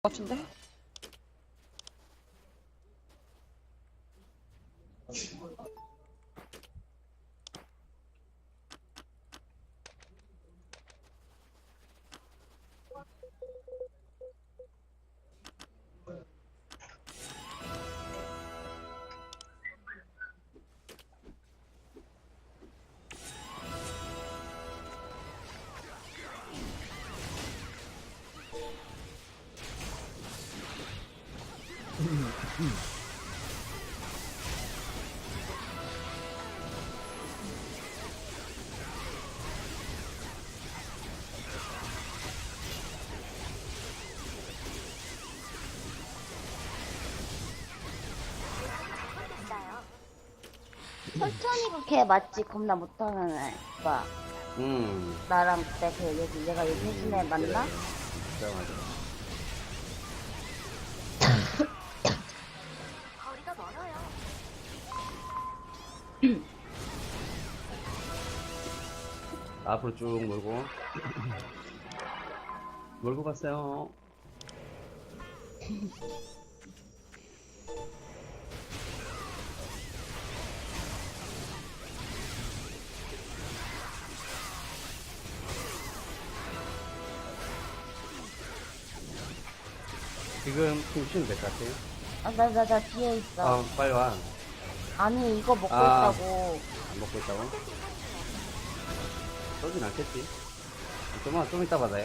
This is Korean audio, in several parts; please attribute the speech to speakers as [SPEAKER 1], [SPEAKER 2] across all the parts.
[SPEAKER 1] 같은데?
[SPEAKER 2] 설천이가 걔 맞지? 겁나 못하는 애. 오빠. 나랑 그때 얘가 얘기해준 애 맞나?
[SPEAKER 3] 진짜 맞아.
[SPEAKER 4] 거리가 멀어요.
[SPEAKER 3] 앞으로 쭉 몰고 몰고 갔어요. 지금 좀 쉬면 될 것 같아요.
[SPEAKER 2] 나 뒤에 있어.
[SPEAKER 3] 빨리 와.
[SPEAKER 2] 아니, 이거 먹고
[SPEAKER 3] 아.
[SPEAKER 2] 있다고.
[SPEAKER 3] 안 먹고 있다고? 쏘진 않겠지? 좀 이따 받아요.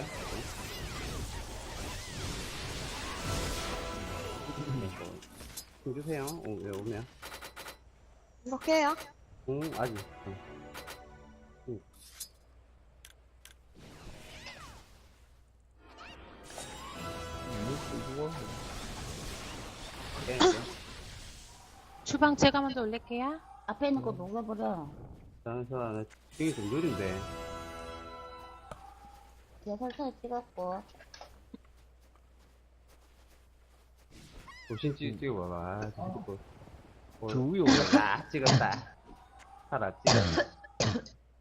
[SPEAKER 3] 좀 주세요. 왜 오면?
[SPEAKER 1] 이렇게 해요?
[SPEAKER 3] 아직. 네,
[SPEAKER 5] 주방 제가 먼저 올릴게요.
[SPEAKER 2] 앞에 있는 거 녹여버려.
[SPEAKER 3] 다른 사람, ting이 좀 느린데.
[SPEAKER 2] 뒤에 설천이 찍었고.
[SPEAKER 3] 도신 찍어봐봐. 자꾸.
[SPEAKER 6] 저 위에 올라.
[SPEAKER 3] 찍었다. 살아, 찍었다.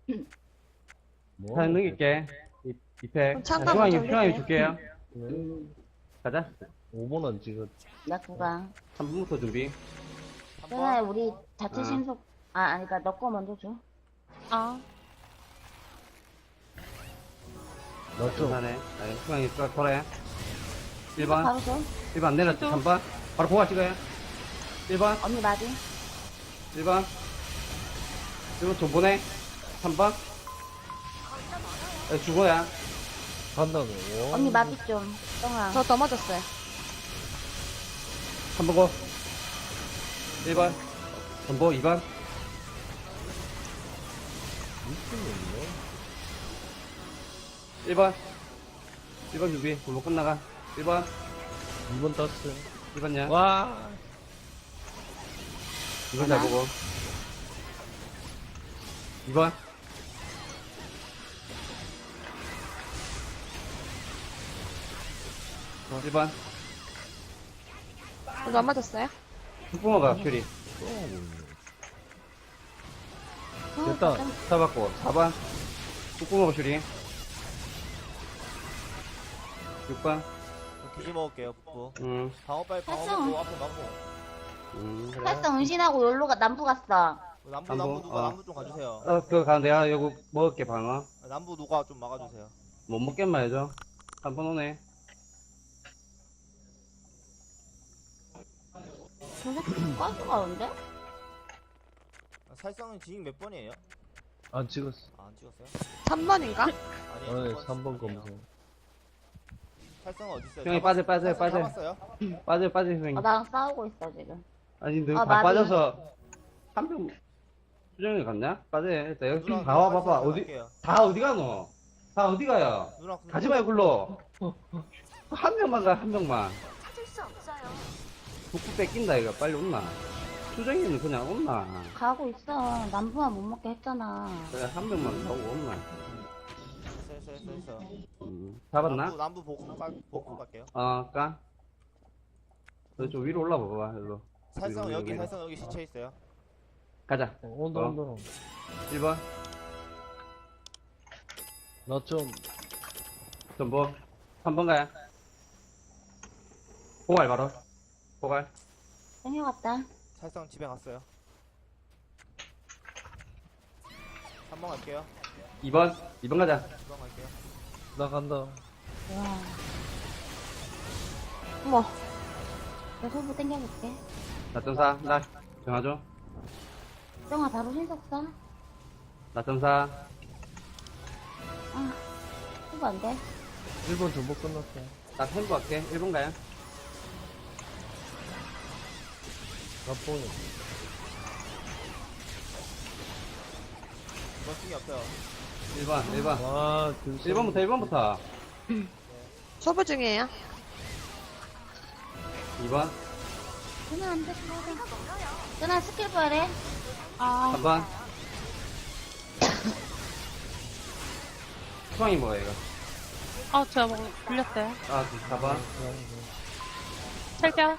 [SPEAKER 6] 뭐?
[SPEAKER 3] 사연 넘길게. 이팩.
[SPEAKER 1] 그럼 잠깐 먼저
[SPEAKER 3] 중앙에
[SPEAKER 1] 올릴게요.
[SPEAKER 3] 줄게요.
[SPEAKER 6] 네.
[SPEAKER 3] 가자.
[SPEAKER 6] 5번은 찍었.
[SPEAKER 2] 나 구강.
[SPEAKER 3] 3분부터 준비.
[SPEAKER 2] 그래, 우리 자체
[SPEAKER 3] 아.
[SPEAKER 2] 신속. 아니다. 너 거 먼저 줘.
[SPEAKER 5] 아,
[SPEAKER 6] 나 좀.
[SPEAKER 3] 하네. 중앙에 돌아요. 1번.
[SPEAKER 2] 바로 줘.
[SPEAKER 3] 1번 내렸지. 3번. 바로 보아 찍어요. 1번.
[SPEAKER 2] 언니 맞이.
[SPEAKER 3] 1번. 1번 좀 보내. 3번. 죽어야.
[SPEAKER 6] 간다고.
[SPEAKER 2] 언니 맞이 좀. 똥아.
[SPEAKER 1] 저 넘어졌어요.
[SPEAKER 3] 3번 고. 1번. 전보 2번.
[SPEAKER 6] 미친놈이네.
[SPEAKER 3] 1번. 1번 준비. 전보 끝나가. 1번.
[SPEAKER 6] 2번 땄어.
[SPEAKER 3] 1번냐?
[SPEAKER 6] 와.
[SPEAKER 3] 2번 잘 보고. 2번. 1번.
[SPEAKER 1] 저도 안 맞았어요?
[SPEAKER 3] 흑붕어가 큐리.
[SPEAKER 6] 됐다.
[SPEAKER 3] 잡았고. 4번. 흑붕어가 큐리. 6번.
[SPEAKER 7] 기지 먹을게요, 북부. 방어 빨리 방어
[SPEAKER 2] 했어.
[SPEAKER 7] 먹고 앞에 막고.
[SPEAKER 3] 그래.
[SPEAKER 2] 활성 은신하고 열로가 남부 갔어.
[SPEAKER 7] 남부
[SPEAKER 3] 남부,
[SPEAKER 7] 누가
[SPEAKER 3] 어.
[SPEAKER 7] 남부 좀 가주세요.
[SPEAKER 3] 그거 가, 내가 요거 먹을게, 방어.
[SPEAKER 7] 남부 누가 좀 막아주세요.
[SPEAKER 3] 못 먹겠만 해줘. 한 번 오네.
[SPEAKER 2] 저 새끼 가스 가는데?
[SPEAKER 7] 살상은 진입 몇 번이에요?
[SPEAKER 6] 안 찍었어.
[SPEAKER 7] 안 찍었어요?
[SPEAKER 1] 3번인가?
[SPEAKER 7] 아니.
[SPEAKER 6] 어, 3번 검색.
[SPEAKER 7] 살상은 어디 있어요?
[SPEAKER 3] 형이 빠져.
[SPEAKER 7] 잡았어요?
[SPEAKER 3] 빠져, 형님.
[SPEAKER 2] 나랑 싸우고 있어, 지금.
[SPEAKER 3] 아니, 너
[SPEAKER 2] 아,
[SPEAKER 3] 다
[SPEAKER 2] 맞아.
[SPEAKER 3] 빠져서, 한 명, 수정이 갔냐? 빠져. 일단 여기
[SPEAKER 7] 누나랑
[SPEAKER 3] 다 와,
[SPEAKER 7] 누나랑
[SPEAKER 3] 봐봐.
[SPEAKER 7] 갈게요.
[SPEAKER 3] 다 어디 가노? 다 어디 가요?
[SPEAKER 7] 누나랑
[SPEAKER 3] 가지 말고 굴러. 한 명만 가, 한 명만.
[SPEAKER 4] 찾을 수 없어요.
[SPEAKER 3] 북부 뺏긴다, 이거. 빨리 온나. 수정이는 그냥 온나.
[SPEAKER 2] 가고 있어. 남부만 못 먹게 했잖아.
[SPEAKER 3] 그래, 한 명만 가고 온나.
[SPEAKER 7] 있어.
[SPEAKER 3] 잡았나?
[SPEAKER 7] 남부 복구 갈게요.
[SPEAKER 3] 까? 너 좀 위로 올라봐봐, 일로.
[SPEAKER 7] 살상
[SPEAKER 3] 여기,
[SPEAKER 7] 여기
[SPEAKER 3] 여기.
[SPEAKER 7] 살상 여기 시체 있어요.
[SPEAKER 3] 가자.
[SPEAKER 6] 온다,
[SPEAKER 3] 어.
[SPEAKER 6] 온다.
[SPEAKER 3] 1번.
[SPEAKER 6] 나 좀.
[SPEAKER 3] 전보. 3번 가야. 포괄 바로. 포괄.
[SPEAKER 2] 땡겨갔다.
[SPEAKER 7] 살성 집에 갔어요. 3번 갈게요.
[SPEAKER 3] 2번 가자.
[SPEAKER 7] 2번 갈게요.
[SPEAKER 6] 나 간다.
[SPEAKER 2] 와.
[SPEAKER 1] 어머,
[SPEAKER 2] 내 소부 땡겨볼게.
[SPEAKER 3] 나점사. 나 정하죠.
[SPEAKER 2] 정아 바로 신속 써.
[SPEAKER 3] 나점사.
[SPEAKER 2] 아, 소부 안 돼.
[SPEAKER 6] 1번 전복 끝났어.
[SPEAKER 3] 나 템포 할게. 1번 가요.
[SPEAKER 6] 나 뽕이.
[SPEAKER 7] 2번 승이 없어요.
[SPEAKER 3] 1번.
[SPEAKER 6] 와,
[SPEAKER 3] 1번부터.
[SPEAKER 1] 소부 중이에요.
[SPEAKER 3] 2번.
[SPEAKER 2] 끊어 안 돼. 끊어 스킬 부활해.
[SPEAKER 5] 아,
[SPEAKER 3] 3번. 수강이 뭐야, 이거?
[SPEAKER 5] 저 뭐, 불렸어요.
[SPEAKER 3] 아, 4번.
[SPEAKER 5] 철벽.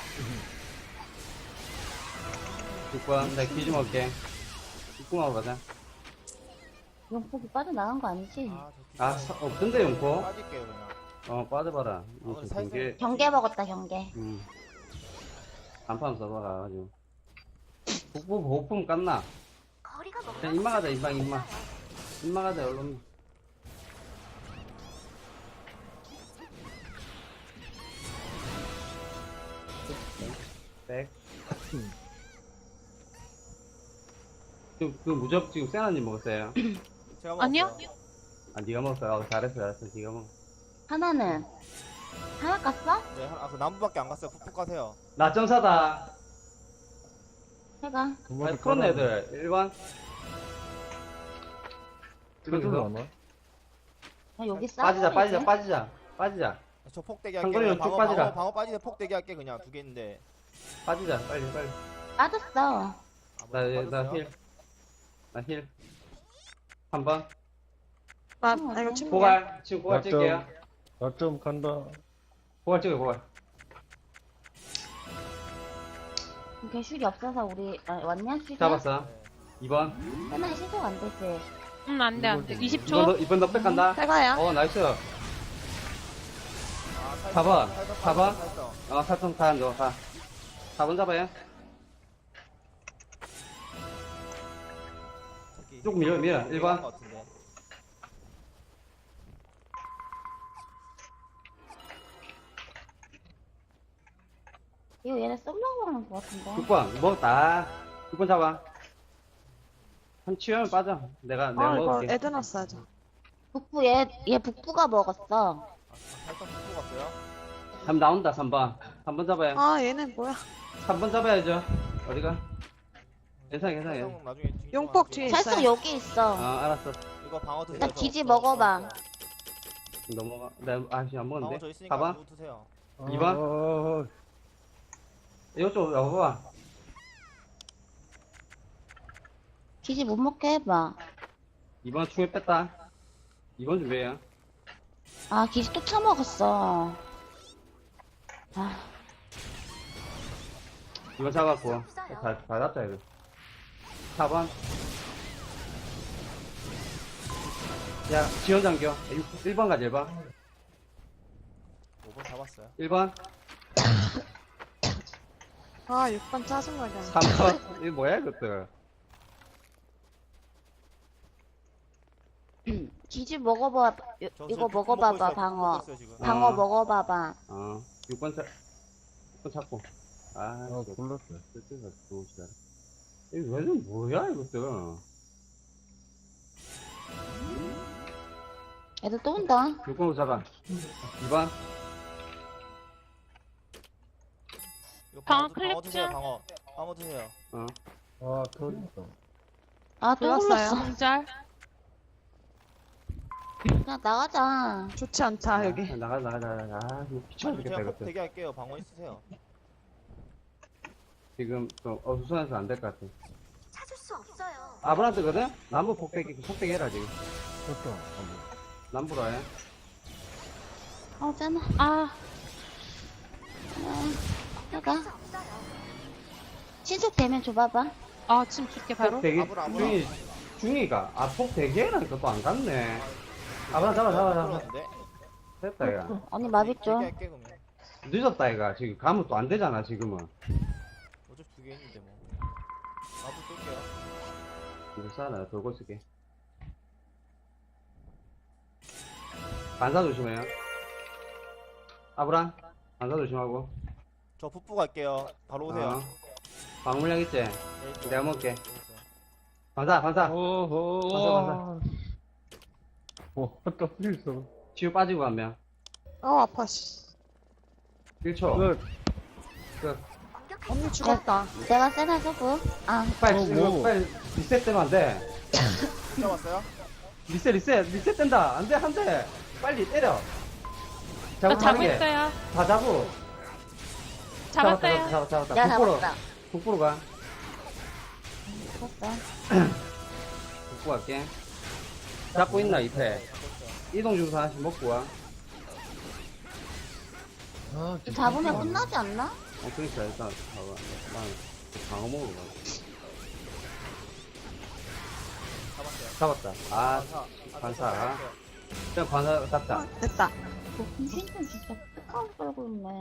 [SPEAKER 3] 6번. 나 귀 좀 먹을게. 6번으로 가자.
[SPEAKER 2] 용폭이 빠져나간 거 아니지?
[SPEAKER 7] 아,
[SPEAKER 3] 없던데, 용포?
[SPEAKER 7] 빠질게요, 그냥.
[SPEAKER 3] 빠져봐라. 이거
[SPEAKER 7] 오늘
[SPEAKER 3] 지금
[SPEAKER 7] 살살-
[SPEAKER 3] 경계,
[SPEAKER 2] 경계 먹었다, 경계.
[SPEAKER 3] 간판 써봐라, 가지고. 복부 보호품 깠나?
[SPEAKER 4] 거리가 멀어서
[SPEAKER 3] 그냥 입만 가자,
[SPEAKER 4] 찾을 수
[SPEAKER 3] 입만.
[SPEAKER 4] 없어요.
[SPEAKER 3] 입만 가자, 얼른. 백. 지금, 그 무적 지금 세나님 먹었어요?
[SPEAKER 7] 제가
[SPEAKER 5] 아니요?
[SPEAKER 7] 먹었어요.
[SPEAKER 3] 아, 니가 먹었어. 잘했어. 니가 먹어.
[SPEAKER 2] 하나는? 하나 깠어?
[SPEAKER 7] 네, 그 남부밖에 안 갔어요. 푹푹 가세요.
[SPEAKER 3] 나점사다.
[SPEAKER 2] 해가.
[SPEAKER 3] 풀었네, 애들. 1번.
[SPEAKER 6] 그래도 안 와?
[SPEAKER 2] 나 여기 싸.
[SPEAKER 3] 빠지자.
[SPEAKER 7] 저 폭대기
[SPEAKER 3] 상거리
[SPEAKER 7] 할게요.
[SPEAKER 3] 쭉 빠지라.
[SPEAKER 7] 방어 빠지는 폭대기 할게, 그냥. 2개 있는데.
[SPEAKER 3] 빠지자, 빨리.
[SPEAKER 2] 빠졌어.
[SPEAKER 3] 나 힐. 3번.
[SPEAKER 1] 아,
[SPEAKER 2] 어,
[SPEAKER 1] 이거
[SPEAKER 2] 네.
[SPEAKER 1] 친구.
[SPEAKER 3] 고갈. 지금 고갈
[SPEAKER 6] 약점.
[SPEAKER 3] 찍게요.
[SPEAKER 6] 나좀 간다.
[SPEAKER 3] 고갈 찍어요, 고갈.
[SPEAKER 2] 개슐이 없어서 우리, 왔냐, 슐이?
[SPEAKER 3] 잡았어.
[SPEAKER 7] 네.
[SPEAKER 3] 2번.
[SPEAKER 2] 하나 신속 안 되지.
[SPEAKER 5] 안 돼. 20초.
[SPEAKER 3] 2번 넉백 간다.
[SPEAKER 1] 해가요.
[SPEAKER 3] 나이스.
[SPEAKER 7] 아,
[SPEAKER 3] 4번.
[SPEAKER 7] 살성,
[SPEAKER 3] 4번.
[SPEAKER 7] 살성.
[SPEAKER 3] 살성 가, 너 가. 4번 잡아요.
[SPEAKER 7] 저기
[SPEAKER 3] 쭉 밀어, 1번.
[SPEAKER 7] 얘기한 것 같은데.
[SPEAKER 2] 이거 얘네 쏠려고 하는 거 같은데.
[SPEAKER 3] 6번. 먹었다. 6번 잡아. 한 치우면 빠져. 내가
[SPEAKER 1] 아, 이거
[SPEAKER 3] 먹을게.
[SPEAKER 1] 애드 넣었어야죠.
[SPEAKER 2] 북부, 얘 북부가 먹었어.
[SPEAKER 7] 살성 푹푹 갔어요.
[SPEAKER 3] 3 나온다, 3번. 3번 잡아요.
[SPEAKER 1] 아, 얘는 뭐야.
[SPEAKER 3] 3번 잡아야죠. 어디가? 괜찮아.
[SPEAKER 7] 살성 나중에 뒤
[SPEAKER 1] 용폭
[SPEAKER 7] 좀
[SPEAKER 1] 뒤에
[SPEAKER 7] 할게요.
[SPEAKER 2] 살짝
[SPEAKER 1] 있어요.
[SPEAKER 2] 여기 있어.
[SPEAKER 3] 알았어.
[SPEAKER 7] 이거 방어 드세요.
[SPEAKER 2] 일단 기지 먹어봐.
[SPEAKER 3] 넘어가. 안
[SPEAKER 7] 방어 저
[SPEAKER 3] 먹었는데.
[SPEAKER 7] 있으니까
[SPEAKER 3] 4번.
[SPEAKER 7] 누구 드세요.
[SPEAKER 3] 2번? 이쪽 와봐봐.
[SPEAKER 2] 기지 못 먹게 해봐.
[SPEAKER 3] 2번 충에 뺐다. 2번 준비해요.
[SPEAKER 2] 아, 기지 또 처먹었어. 아,
[SPEAKER 3] 2번 잡았고. 다 잡자, 이거. 4번. 야, 지원 잠겨. 1번 가자, 1번.
[SPEAKER 7] 5번 잡았어요.
[SPEAKER 3] 1번.
[SPEAKER 1] 아, 6번 짜증나게.
[SPEAKER 3] 3번. 이거 뭐야, 이것들.
[SPEAKER 2] 기지 먹어봐. 이거 먹어봐봐, 방어.
[SPEAKER 7] 있어요, 지금.
[SPEAKER 2] 방어 먹어봐봐.
[SPEAKER 3] 6번 6번 찾고.
[SPEAKER 6] 골랐어.
[SPEAKER 3] 쓸데가 좋으시다. 이거 왜좀 뭐야, 이것들.
[SPEAKER 2] 애들 또 온다.
[SPEAKER 3] 6번으로 잡아. 2번.
[SPEAKER 7] 이거
[SPEAKER 5] 방어
[SPEAKER 7] 방어 드세요,
[SPEAKER 5] 클릭
[SPEAKER 7] 방어. 방어 드세요.
[SPEAKER 6] 아, 터졌다.
[SPEAKER 2] 아, 또
[SPEAKER 1] 불렀어요.
[SPEAKER 2] 불렀어.
[SPEAKER 5] 공절.
[SPEAKER 2] 그냥 나가자.
[SPEAKER 1] 좋지 않다, 여기.
[SPEAKER 3] 나가. 이거 귀찮아 죽겠다,
[SPEAKER 7] 제가
[SPEAKER 3] 이것들.
[SPEAKER 7] 폭대기 할게요. 방어 있으세요.
[SPEAKER 3] 지금 좀 어수선해서 안 될 것 같아.
[SPEAKER 4] 찾을 수 없어요.
[SPEAKER 3] 아브란트거든? 남부 폭대기 해라, 지금.
[SPEAKER 6] 쳤다.
[SPEAKER 3] 남부로 해.
[SPEAKER 2] 짠아.
[SPEAKER 5] 아,
[SPEAKER 2] 해가.
[SPEAKER 4] 찾을 수 없어요.
[SPEAKER 2] 신속 되면 줘봐봐.
[SPEAKER 5] 지금 줄게, 바로.
[SPEAKER 3] 폭대기,
[SPEAKER 7] 아브라.
[SPEAKER 3] 중이가. 폭대기라니까 또 안 갔네. 아브란 잡아.
[SPEAKER 7] 풀었는데?
[SPEAKER 3] 됐다, 야.
[SPEAKER 2] 언니 마비
[SPEAKER 7] 대기
[SPEAKER 2] 좀.
[SPEAKER 7] 할게, 그러면.
[SPEAKER 3] 늦었다, 이가. 지금 가면 또 안 되잖아, 지금은.
[SPEAKER 7] 어차피 2개 있는데 뭐. 나도 쏠게요.
[SPEAKER 3] 이거 싸나, 돌고 쓸게. 반사 조심해요. 아브랑, 반사 조심하고.
[SPEAKER 7] 저 풋부 갈게요. 바로 오세요.
[SPEAKER 3] 어. 방물량 있지?
[SPEAKER 7] 여기 있어요.
[SPEAKER 3] 내가 먹을게.
[SPEAKER 7] 여기 있어요.
[SPEAKER 3] 반사, 반사.
[SPEAKER 6] 오호. 또 있어.
[SPEAKER 3] 치유 빠지고 가면.
[SPEAKER 1] 아파, 씨.
[SPEAKER 3] 1초.
[SPEAKER 6] 끝.
[SPEAKER 3] 끝.
[SPEAKER 4] 공격할
[SPEAKER 1] 언니 죽었다.
[SPEAKER 2] 내가 세나 주고. 아,
[SPEAKER 3] 빨리,
[SPEAKER 6] 뭐.
[SPEAKER 3] 이거 빨리 리셋 되면 안 돼.
[SPEAKER 7] 잡았어요?
[SPEAKER 3] 리셋 된다. 안 돼, 안 돼. 빨리 때려.
[SPEAKER 5] 저
[SPEAKER 3] 자고
[SPEAKER 5] 자고
[SPEAKER 3] 가는 게.
[SPEAKER 5] 있어요.
[SPEAKER 3] 다 자고.
[SPEAKER 5] 잡았어요.
[SPEAKER 3] 잡았다.
[SPEAKER 2] 내가
[SPEAKER 3] 북부로,
[SPEAKER 2] 잡았다.
[SPEAKER 3] 북부로 가.
[SPEAKER 2] 잡았어.
[SPEAKER 3] 북부 갈게. 잡고 있나, 이태. 이동 중서 하나씩 먹고 와.
[SPEAKER 6] 아, 진짜.
[SPEAKER 2] 잡으면 끝나지 않나?
[SPEAKER 3] 그러니까 일단 봐봐. 난 방어 먹으러 가.
[SPEAKER 7] 잡았어요.
[SPEAKER 3] 잡았다. 아,
[SPEAKER 7] 반사.
[SPEAKER 3] 반사. 그냥 관사 잡자.
[SPEAKER 1] 됐다.
[SPEAKER 2] 뭐, 진짜 진짜 끝까지 끌고 있네.